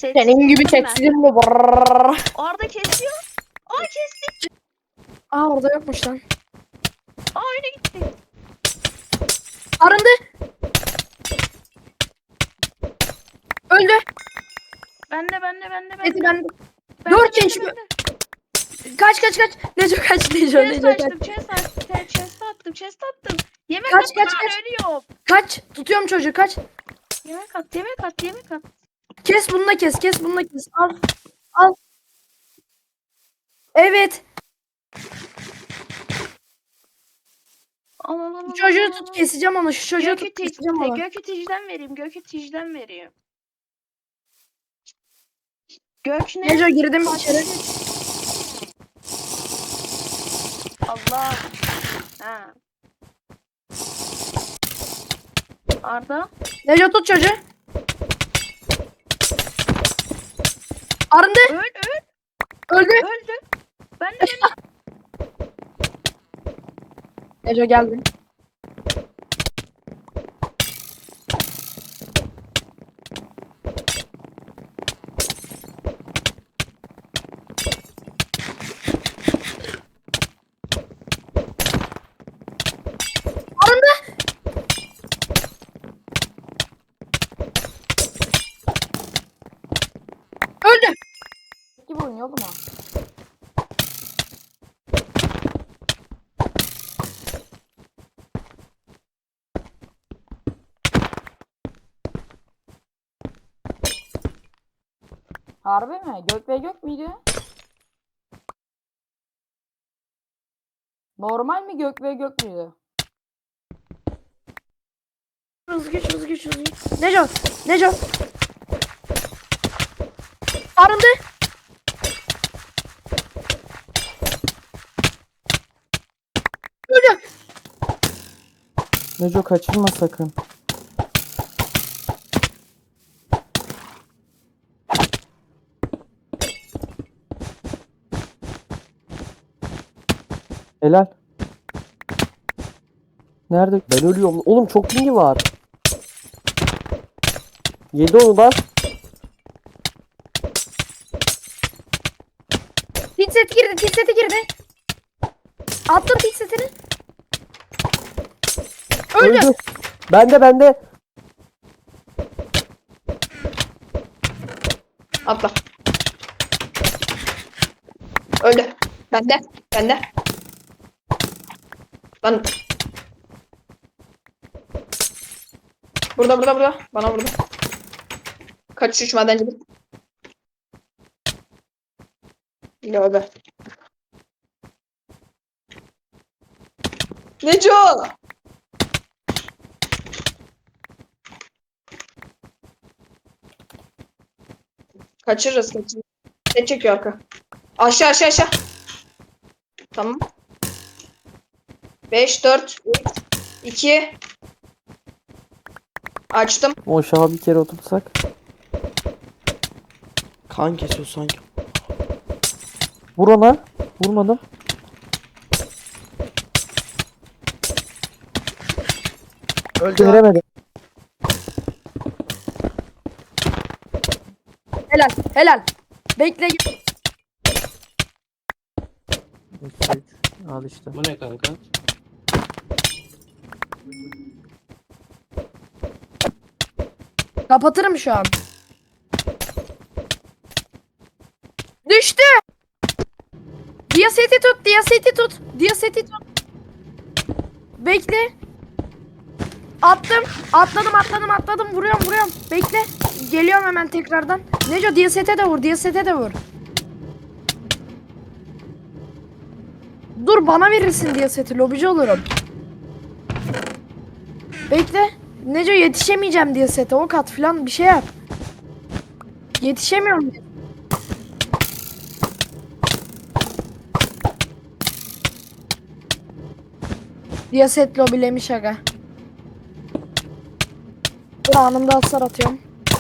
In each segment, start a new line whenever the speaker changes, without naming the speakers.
Senin gibi
Sessizleştim ben.
çeksin mi? Brrrr.
Orada kesiyor. Aa kesti.
Aa orada yokmuş lan.
Aa öyle gitti.
Arındı. Öldü.
Bende.
Neyse ben.
Bende,
4
bende,
yaşım.
bende.
Kaç. Neco kaç. Neco
Chest
kaç.
açtım, chest attım. Yemek
Kaç
at
kaç
lan,
kaç.
ölüyorum.
Kaç. Tutuyorum çocuğu kaç.
Yemek at.
Kes bununla kes bununla kes. Al. Evet.
Al.
Şu çocuğu tut keseceğim onu. Şu çocuğu tut
Gök
keseceğim onu.
iticiden vereyim. Gök ne?
Neco girdim içeri.
Allah. Ha. Arda.
Neco tut çocuğu. Arındı. Öldü.
Öldü. Ben de.
Neco geldi. Arındı. Öldü. Gibi oynuyor oğlum ha. Harbi mi? Gök ve gök müydü? Normal mi gök ve gök müydü? Hızlı güç. Neco. Arındı. Öldü.
Neco kaçırma sakın. Helal. Nerede? Ben ölüyorum. Oğlum çok pingi var. Yedi onu bas.
Pit seti girdi. Attım pit setini. Öldü.
Öldü. Bende.
Atla. Öldü. Bende. Lan. Burada. Bana vurdu. Kaçış madencilik. Lövbe. Neco! Kaçırırız. Ne çekiyor arka? Aşağı. Tamam. 5, 4, 3, 2. Açtım.
O aşağı bir kere oturtsak.
Kan kesiyor sanki.
Vur ona. Vurmadım.
Öldü.
Veremedim.
Helal. Bekle.
Al işte.
Bu ne kanka?
Kapatırım şu an. Düştü. Diyaseti tut. Bekle. Attım. Atladım. Vuruyorum. Bekle. Geliyorum hemen tekrardan. Neco diyasete de vur. Dur bana verirsin diyaseti. Lobici olurum. Bekle. Neco yetişemeyeceğim diyasete. Ok at falan bir şey yap. Yetişemiyorum. Diyaset lobilemiş aga. Dur anında hasar atıyorum.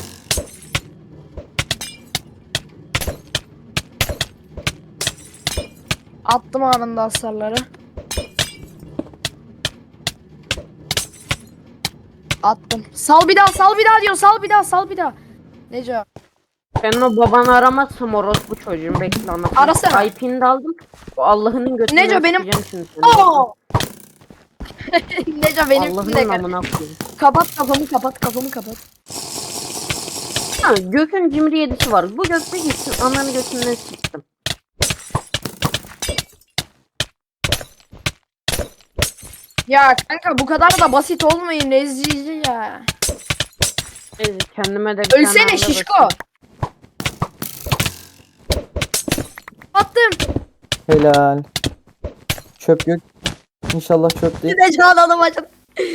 Attım anında hasarları. Attım. Sal bir daha diyor. Sal bir daha. Neco.
Ben o babanı aramazsam orospu çocuğum, bekle anlatayım.
Arasana.
IP'ni de aldım. O Allah'ının götünden
Neco, benim-
sikeceğim şimdi seni.
Oo! Neco benim
Allah'ın
de
amına koyayım.
kapat kafamı kapat.
Ha, Gök'ün cimri yedisi var. Bu Gök bir gitsin ananı götünden siktim.
Ya kanka bu kadar da basit olmayın rezilci ya.
Neyse, kendime de bir tane
Ölsene
araba
şişko.
bakayım.
Attım.
Helal. Çöp yok. İnşallah çöp değil.
Neco alalım acım.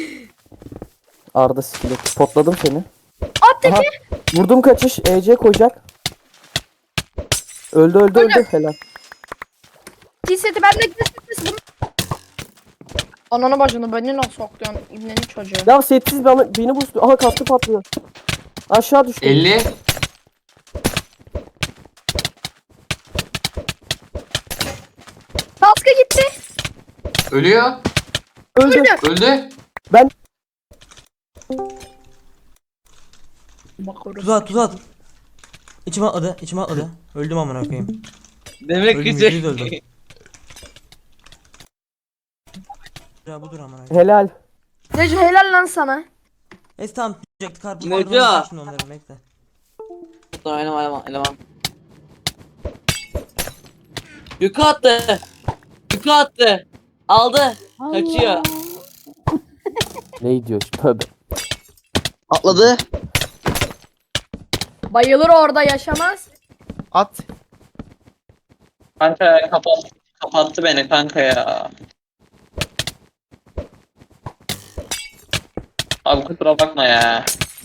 Arda skillet. Potladım seni.
At teki.
Aha. Vurdum kaçış. EC koyacak. Öldü. Helal.
T-seti bende kesin. Ananı bacını beni nasıl sokuyorsun ibnenin çocuğu.
Ya setsiz beni boostluyor. Aha kaskı patlıyor. Aşağı düştü.
50.
Kaskı gitti.
Ölüyor.
Öldü.
Öldü.
Tuz at. İçime atladı. Öldüm amına koyayım.
Demek
Öldüm,
güzel.
yüzde yüz öldüm. Ya budur amına koyayım.
Helal.
Neco helal lan sana.
Neyse tamam diyecektik karpuz.
Neco.
Şimdi onları bekle.
Eleman. Yuka attı. Aldı. Kaçıyor.
Ne diyor? Tövbe.
Atladı.
Bayılır orada yaşamaz.
At.
Kanka kapattı beni kanka ya. Abi kusura bakma ya.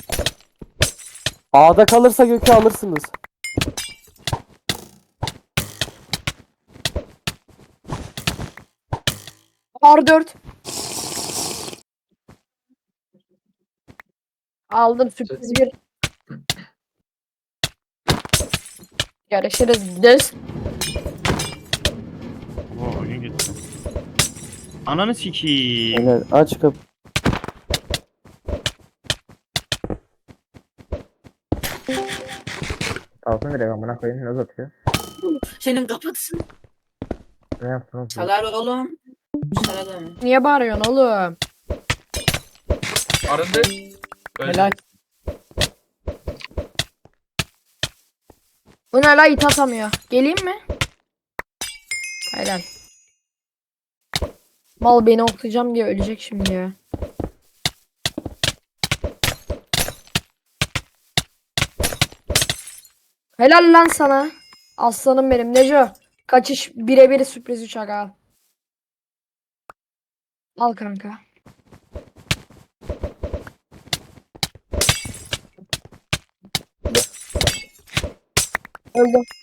A'da kalırsa Gök'ü alırsınız.
R4. Aldım sürpriz bir. Görüşürüz. Gideriz.
Oo, oyun gitti. Ananı sikiyim.
Helal. Aç kapı.
Altına direkt amına koyayım ne atıyor?
Senin kapatsın.
Ne yaptın?
Çalar oğlum. Çalar.
Niye bağırıyorsun oğlum?
Arındı.
Helal. Bu ne la it atamıyor. Geleyim mi? Helal. Mal beni oklayacağım diye ölecek şimdi ya. Helal lan sana. Aslanım benim. Neco. Kaçış birebir sürpriz uçak al. Al kanka. Öldüm.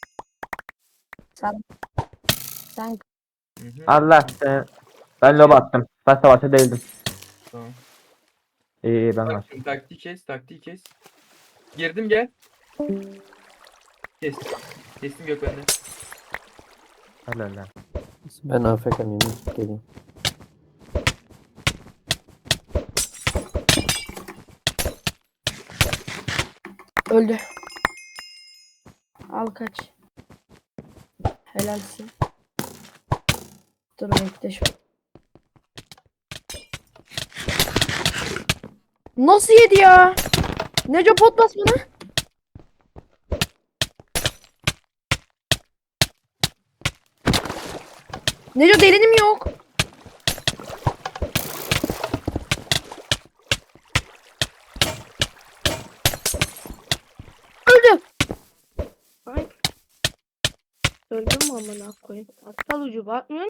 Sen
Allah ben lob attım. Ben savaşta değildim.
Tamam.
İyi ben var.
Taktiği kes. Girdim gel. Kestim Gök bende.
Helal lan.
Ben AFK'yim. Geleyim.
öldü. Al kaç. Helalsin. Dur bekle şu. Nasıl yedi ya? Neco pot bas bana. Neco delinim yok. Öldü.
Öldüm mü amına koyayım? Aptal ucu bakmıyor